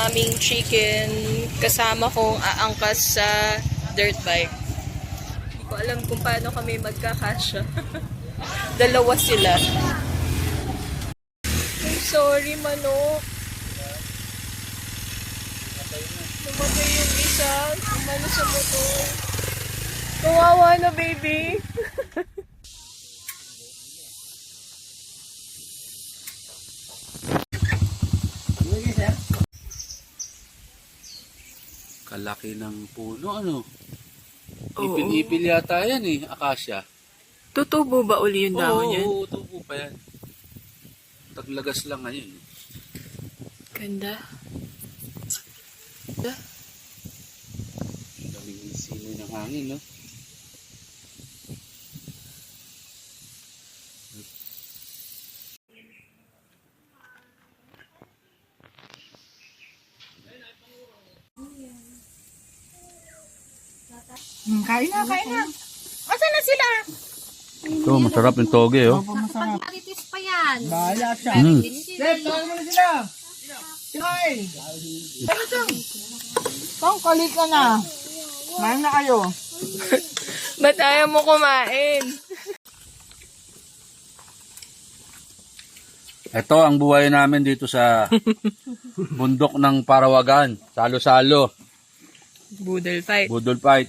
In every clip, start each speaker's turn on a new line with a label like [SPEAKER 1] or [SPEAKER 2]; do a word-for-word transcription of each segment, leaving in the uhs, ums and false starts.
[SPEAKER 1] aming chicken kasama kong aangkas sa dirt bike. Hindi ko alam kung paano kami magkakasya. Dalawa sila. I'm sorry, manok. Namatay yung isa. Umano sa motor. Kawawa na, baby.
[SPEAKER 2] Kalaki ng puno, ano? Ipil-ipil yata yan eh, akasya.
[SPEAKER 1] Tutubo ba uli yung dahon yan?
[SPEAKER 2] Oo, tubo pa yan. Taglagas lang ngayon.
[SPEAKER 1] Ganda. Ganda.
[SPEAKER 2] Ang daming simoy ng hangin, no?
[SPEAKER 3] Hmm, kain na, kain na. Asan na sila?
[SPEAKER 2] Ito, masarap yung toge, oh.
[SPEAKER 3] Opo, masarap.
[SPEAKER 4] Maritis pa yan.
[SPEAKER 3] Bahala siya.
[SPEAKER 2] Mm.
[SPEAKER 3] Sir, tawag mo na sila. Sinoy. Ano ito? Pang kalit ka na. Main na kayo.
[SPEAKER 1] Ba't ayaw mo kumain?
[SPEAKER 2] Ito ang buhay namin dito sa bundok ng Parawagan. Salo-salo.
[SPEAKER 1] Boodle fight.
[SPEAKER 2] Budol fight.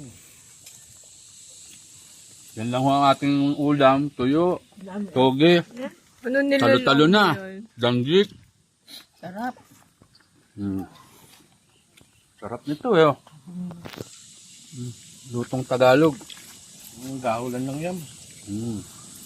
[SPEAKER 2] Yan lang ho ang ating ulam. Tuyo, toge,
[SPEAKER 1] Ano nila?
[SPEAKER 2] talo-talo na, danggit.
[SPEAKER 3] Sarap.
[SPEAKER 2] Hmm. Sarap nito eh. Oh. Hmm. Lutong Tagalog.
[SPEAKER 3] Ang gahulan lang yan.
[SPEAKER 2] Hmm.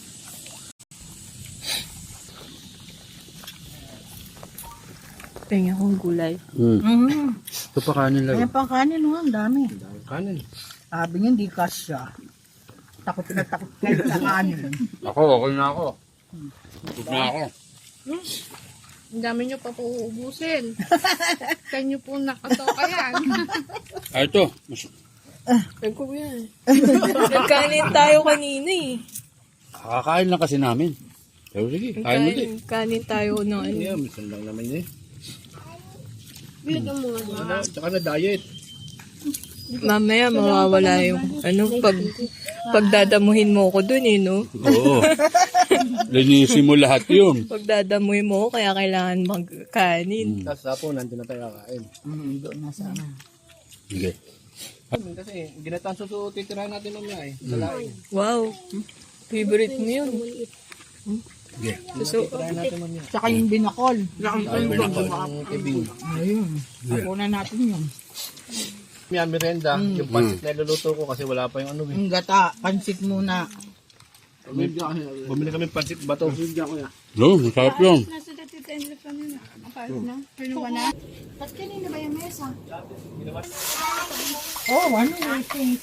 [SPEAKER 1] Tingnan kong gulay.
[SPEAKER 2] Hmm.
[SPEAKER 3] Mm-hmm.
[SPEAKER 2] Ito pa kanin lang.
[SPEAKER 3] Ayan pang kanin, oh, ang dami.
[SPEAKER 2] Kanin.
[SPEAKER 3] Sabi niya, hindi kasya. Takot na takot kayo sa kanin.
[SPEAKER 2] Ako, okay na ako. Good na ako.
[SPEAKER 4] Ang dami nyo pa po uubusin. Kaya nyo po nakatoka yan.
[SPEAKER 2] Ay, ito. Mas...
[SPEAKER 1] Ay ko yan. Nagkanin tayo kanina eh.
[SPEAKER 2] Kakakain lang kasi namin. Pero sige, kain mo din.
[SPEAKER 1] Kanin, kanin tayo ng ano.
[SPEAKER 5] Yeah, minsan lang naman eh.
[SPEAKER 4] Bilagyan mo nga dyan.
[SPEAKER 5] Ano, tsaka na diet.
[SPEAKER 1] Mamaya mawawala yung ano pag pagdadamuhin mo ko dun eh no.
[SPEAKER 2] Oo. Linisin mo lahat yun.
[SPEAKER 1] Pagdadamuhin mo ko kaya kailangan magkanin.
[SPEAKER 5] Tapos tapo, nandun na tayo kakain.
[SPEAKER 3] Mm, doon na sana.
[SPEAKER 2] Sige.
[SPEAKER 5] Kasi ginatang suso, titirahan natin mamaya eh. Salain.
[SPEAKER 1] Wow. Favorite mo yun.
[SPEAKER 2] Sige.
[SPEAKER 1] So,
[SPEAKER 5] Titirahan natin mamaya.
[SPEAKER 3] Tsaka yung binakol.
[SPEAKER 5] Ang kibing.
[SPEAKER 3] Ayun. Ako na natin yun.
[SPEAKER 5] May merenda, yung pansit na iluluto ko kasi wala pa yung ano eh.
[SPEAKER 3] Ang gata, pansit muna.
[SPEAKER 5] Bumili kami pansit bato.
[SPEAKER 2] No, masarap yun.
[SPEAKER 4] Nasa dati tayo na. Apart na. Pinuha na. Ba't kanina ba yung mesa?
[SPEAKER 3] Oh, ano yung thing?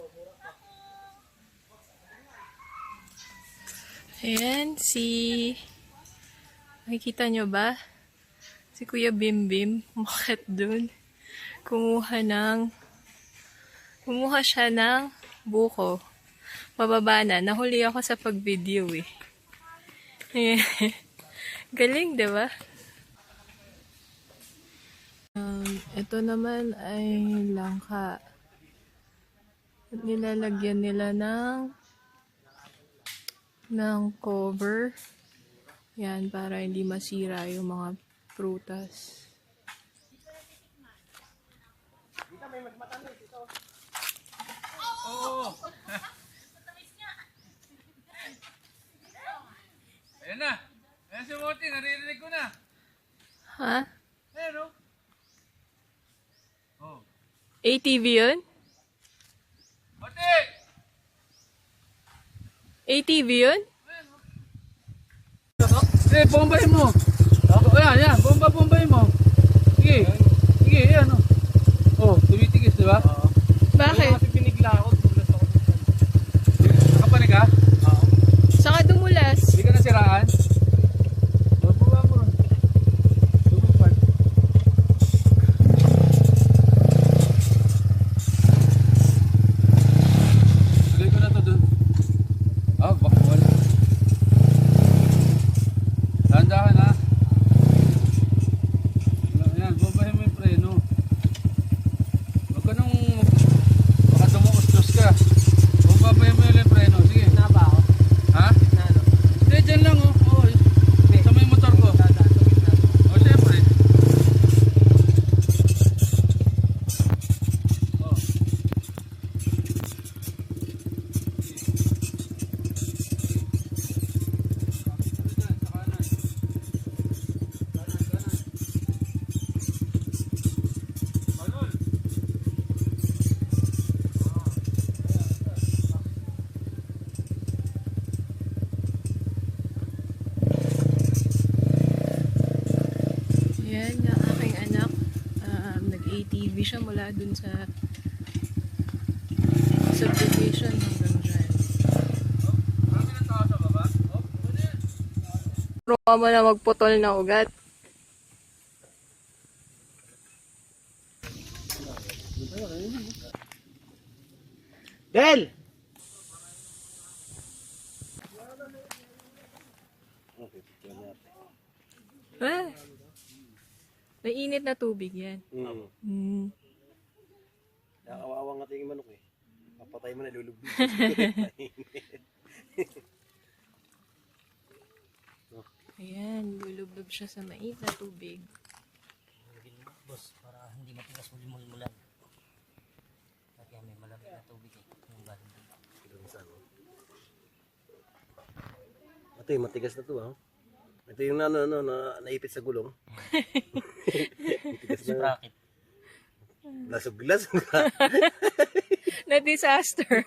[SPEAKER 1] ayan si makikita nyo ba? Si Kuya Bim Bim umakit dun. Kumuha ng kumuha siya ng buko. Pababa na. Nahuli ako sa pag-video eh. Ayan. Galing, diba? Um, ito naman ay langka. Nilalagyan nila ng ng cover. Yan, para hindi masira yung mga prutas.
[SPEAKER 2] Ayan na. Ayan si Moti, naririnig ko na.
[SPEAKER 1] Ha?
[SPEAKER 2] Ayan o. Oh.
[SPEAKER 1] A T V yun?
[SPEAKER 2] Moti!
[SPEAKER 1] A T V yun?
[SPEAKER 2] Eh, bombahin mo. Ayan, ayan. Bomba, bombahin mo. Sige. Sige, ayan o. Oh, tumitigis, di ba?
[SPEAKER 1] Bakit?
[SPEAKER 5] Kasi pinigla ako, tulas ako.
[SPEAKER 2] Nakapanig ka?
[SPEAKER 1] Saka dumulas.
[SPEAKER 2] Hindi ka nasiraan? Babuha mo. Tubupan. Tuloy ko na to dun. Ah, baka wala. Tanda ka na. Ayan, bombahin mo
[SPEAKER 1] siya mula dun sa subdivision hanggang dyan. Pero ka mo na magputol na ugat.
[SPEAKER 5] Del!
[SPEAKER 1] Ah, may init na tubig yan.
[SPEAKER 6] Mm.
[SPEAKER 1] Hmm.
[SPEAKER 6] Nakakawawa nga tingin manok eh. Papatay mo na, lulubog.
[SPEAKER 1] Ayan, lulublob siya sa mait na tubig.
[SPEAKER 7] Boss, para hindi matigas mo limulmulan. Kaya may malamig na tubig eh. Yung galing dito.
[SPEAKER 6] Ito yung matigas na to ha. Ito yung ano, ano, na, naipit sa gulong. Matigas na.
[SPEAKER 7] Bracket.
[SPEAKER 6] Lasog-lasog ha.
[SPEAKER 1] Na disaster.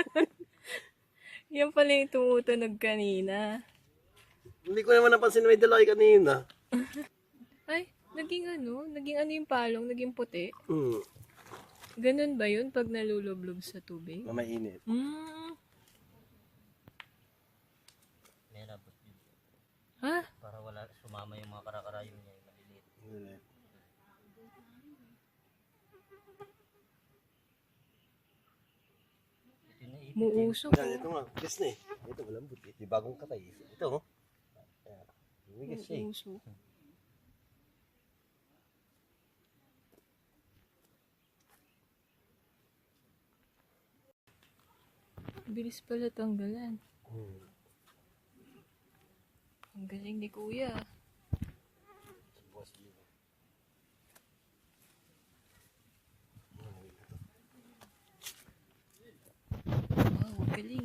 [SPEAKER 1] Yan pala yung tumutunog kanina.
[SPEAKER 6] Hindi ko naman napansin na may dala kayo kanina.
[SPEAKER 1] Ay, naging ano? Naging ano yung palong? Naging puti?
[SPEAKER 6] Hmm.
[SPEAKER 1] Ganun ba yun pag nalulublob sa tubig?
[SPEAKER 6] Mamainit.
[SPEAKER 1] Hmm.
[SPEAKER 7] May rabot yun.
[SPEAKER 1] Ha?
[SPEAKER 7] Para wala sumama yung mga karakarayon niya. Yung maliliit. Ito na ipit.
[SPEAKER 1] Muusok.
[SPEAKER 6] Yan, ito nga. Yes na eh. Ito malambot eh. Di bagong katay. Ito oh. Ayan. Lumigas siya eh.
[SPEAKER 1] Muusok. Bilis pala tanggalan.
[SPEAKER 6] Hmm.
[SPEAKER 1] Ang galing ni Kuya. Wow, galing.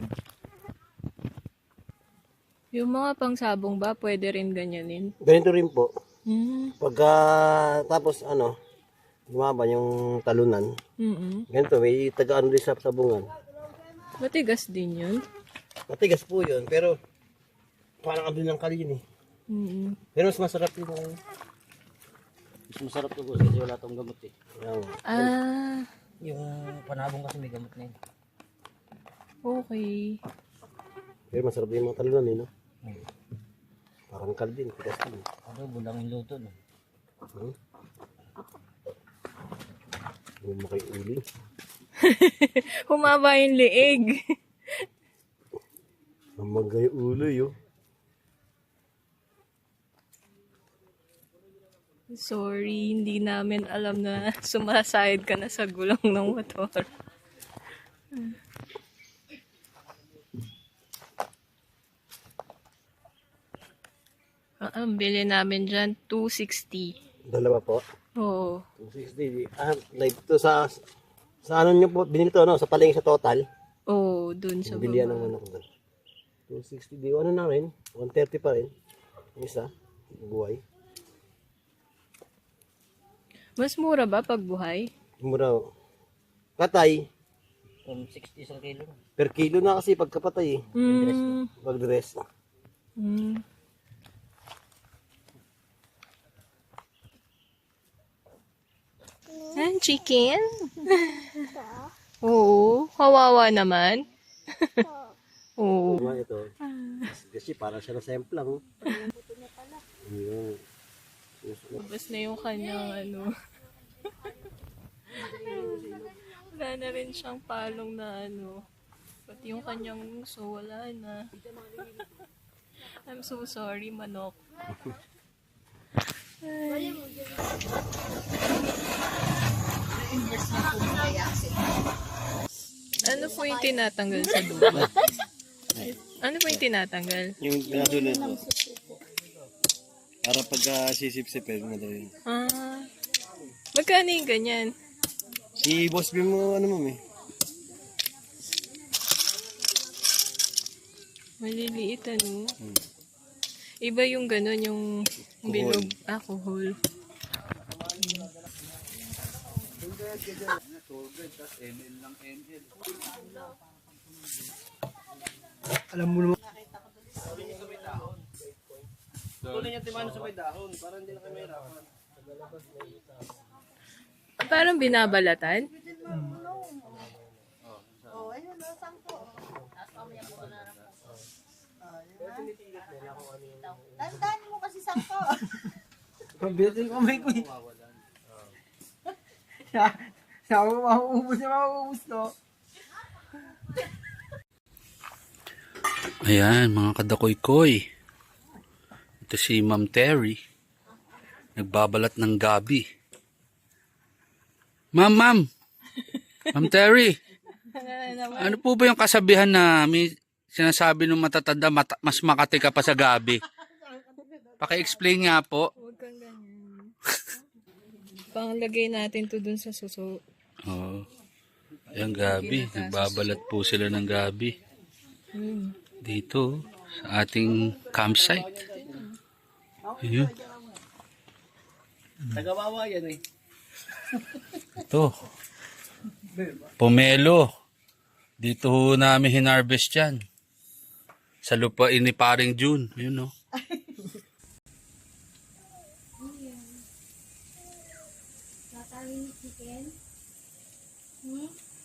[SPEAKER 1] Yung mga pangsabong ba, pwede rin ganyanin?
[SPEAKER 6] Ganito rin po.
[SPEAKER 1] Hmm.
[SPEAKER 6] Pagka tapos ano, lumaba yung talunan.
[SPEAKER 1] Mm-mm.
[SPEAKER 6] Ganito, may tagaan rin sa sabungan.
[SPEAKER 1] Matigas din yun.
[SPEAKER 6] Matigas po yun, pero parang abdul ng kalin eh.
[SPEAKER 1] Mm-mm.
[SPEAKER 6] Pero mas masarap yung
[SPEAKER 7] Mas masarap to boss kasi wala tong gamot eh.
[SPEAKER 6] yung
[SPEAKER 1] Ah,
[SPEAKER 7] Yung panabong kasi may gamot na yun.
[SPEAKER 1] okay.
[SPEAKER 6] pero masarap yung mga talunan eh, no? Parang kalbin, tigas din.
[SPEAKER 7] Ano, bulang yung luto no.
[SPEAKER 6] Hmm? Yung makay uli.
[SPEAKER 1] Humaba yung liig.
[SPEAKER 6] Ang magay ulo yun.
[SPEAKER 1] Sorry, hindi namin alam na sumasayad ka na sa gulong ng motor. Ah, ang bili namin dyan, two sixty.
[SPEAKER 6] Dalawa po.
[SPEAKER 1] Oo.
[SPEAKER 6] two sixty. Ah, like to sa sa ano nyo po, binili to no? Sa palengke sa total.
[SPEAKER 1] Oo, dun sa
[SPEAKER 6] Bilihan ng
[SPEAKER 1] baba.
[SPEAKER 6] ano ko doon. two sixty di ano na rin, one thirty pa rin. Yung isa, buhay.
[SPEAKER 1] Mas mura ba pag buhay?
[SPEAKER 6] Mura. oh. Katay,
[SPEAKER 7] From sixty isang kilo na.
[SPEAKER 6] per kilo na kasi pagkapatay eh.
[SPEAKER 1] Mm.
[SPEAKER 6] Pag dress.
[SPEAKER 1] Mm. Yan, chicken? Oo, kawawa naman. Oo.
[SPEAKER 6] Diba ito? Kasi para siya na sample lang. Ayun.
[SPEAKER 1] Ubus na yung kanyang ano. Wala na rin siyang palong na ano. Pati yung kanyang uso, wala na. I'm so sorry, manok. Ay. Ano po yung tinatanggal sa dulo? Ano po yung tinatanggal?
[SPEAKER 6] Yung pinadulo ito. Para pagka sisip-sipin mo daw yun.
[SPEAKER 1] Ah, magkano yung ganyan?
[SPEAKER 6] Si Boss Bim mo ano mo eh.
[SPEAKER 1] Maliliit ano? Iba yung ganun, yung bilog alcohol.
[SPEAKER 6] Alam mo naman.
[SPEAKER 5] Tuloy niya timano sa may dahon para hindi na kayo mahirapan.
[SPEAKER 1] Parang binabalatan.
[SPEAKER 3] Oh, ayun, oh, sangko. Tandaan mo kasi sangko.
[SPEAKER 6] Pambitin ko may kuy.
[SPEAKER 3] Siya, siya, mauubos na mauubos to.
[SPEAKER 2] Ayan, mga kadakoy-koy. Ito si Ma'am Terry. Nagbabalat ng gabi. Ma'am, ma'am. Ma'am Terry. Ano po ba yung kasabihan na may sinasabi ng matatanda mata, mas makati ka pa sa gabi? Paki-explain nga po.
[SPEAKER 1] Huwag kang ganyan. Panglagay natin to dun sa suso.
[SPEAKER 2] Oo. Ayan, gabi. Nagbabalat po sila ng gabi.
[SPEAKER 1] Hmm.
[SPEAKER 2] Dito, sa ating campsite. Ayun.
[SPEAKER 5] Tagawawa yan eh.
[SPEAKER 2] Ito. Pomelo. Dito ho namin hinarvest yan. Sa lupain ni Paring June. Yun o.
[SPEAKER 4] Tatawin ni chicken. Hmm?